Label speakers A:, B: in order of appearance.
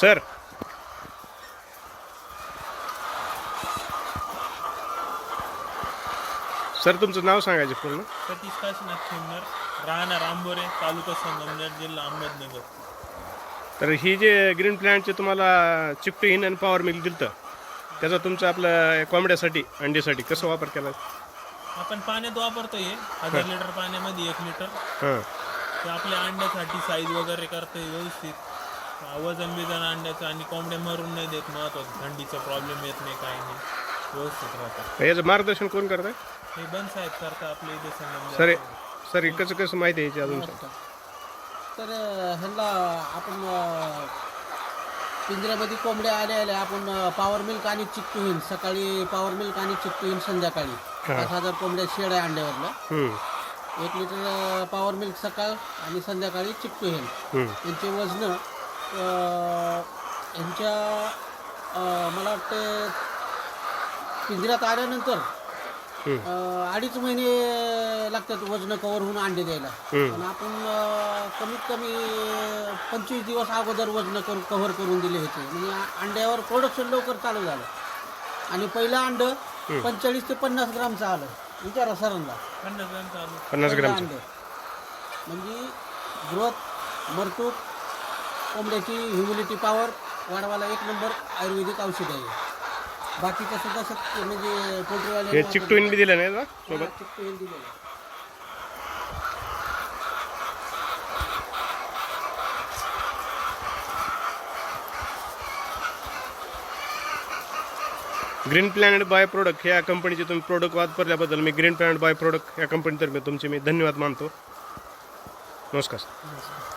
A: Sir sir तुमचं नाव सांगायचं पूर्ण.
B: सतीश काशीनाथ खेमनर, राहणार आंबोरे, तालुका संगमनेर, जिल्हा अहमदनगर.
A: तर ही जे ग्रीन प्लॅन्टचे तुम्हाला चिपटू इन आणि पॉवर मिल दिलं त्याचा तुमचं आपल्या कोंबड्यासाठी अंडीसाठी कसं वापर केला?
B: आपण पाण्यात वापरतोय 1000 लिटर पाण्यामध्ये 1 लिटर.
A: हां
B: ते आपल्या अंड्यासाठी साईज वगैरे करते व्यवस्थित, वजन बिजन अंड्याचं, आणि कोंबड्या मरून नाही देत. महत्वाचं, थंडीचा प्रॉब्लेम येत नाही, काही नाही, व्यवस्थित राहतात.
A: तर याचं मार्गदर्शन कोण करत आहे?
B: हे बन साहेब करता आपल्या इथे
A: सर
B: संगमनेर.
A: सर कसं कसं माहिती आहे याची अजून?
C: तर ह्यांना आपण पिंजऱ्यामध्ये कोंबड्या आल्या आपण पॉवर मिल्क आणि चिक्टू हिन, सकाळी पॉवर मिल्क आणि चिक्टू हिन, संध्याकाळी 5000 कोंबड्या शेड आहे अंड्यावरला. 1 लिटर पॉवर मिल्क सकाळ आणि संध्याकाळी चिक्टू हिन. यांचे वजन यांच्या मला वाटते पिंजऱ्यात आल्यानंतर 2.5 महिने लागतात वजन कव्हर होऊन अंडे द्यायला. पण आपण कमीत कमी 25 दिवस अगोदर वजन कव्हर करून दिले होते, म्हणजे अंड्यावर प्रोडक्शन लवकर चालू झालं. आणि पहिलं अंड 45 ते 50 ग्रामचं आलं. विचारा सरांना,
B: 50 ग्राम चालू.
A: 50 ग्राम
C: अंड म्हणजे ग्रोथ, मरतूक, कोंबड्याची ह्युमिलिटी पॉवर वाढवायला 1 नंबर आयुर्वेदिक औषध आहे. बाकी तसं म्हणजे पोल्ट्रीवाले
A: हे चिपटू इन बी दिलं नाही का सोबत?
C: चिक्टू हिन दिलेलं.
A: ग्रीन प्लॅनेट बाय प्रोडक्ट ह्या कंपनीचे तुम्ही प्रोडक्ट वापरल्याबद्दल मी ग्रीन प्लॅनेट बाय प्रोडक्ट ह्या कंपनीतर्फे तुमचे मी धन्यवाद मानतो. नमस्कार.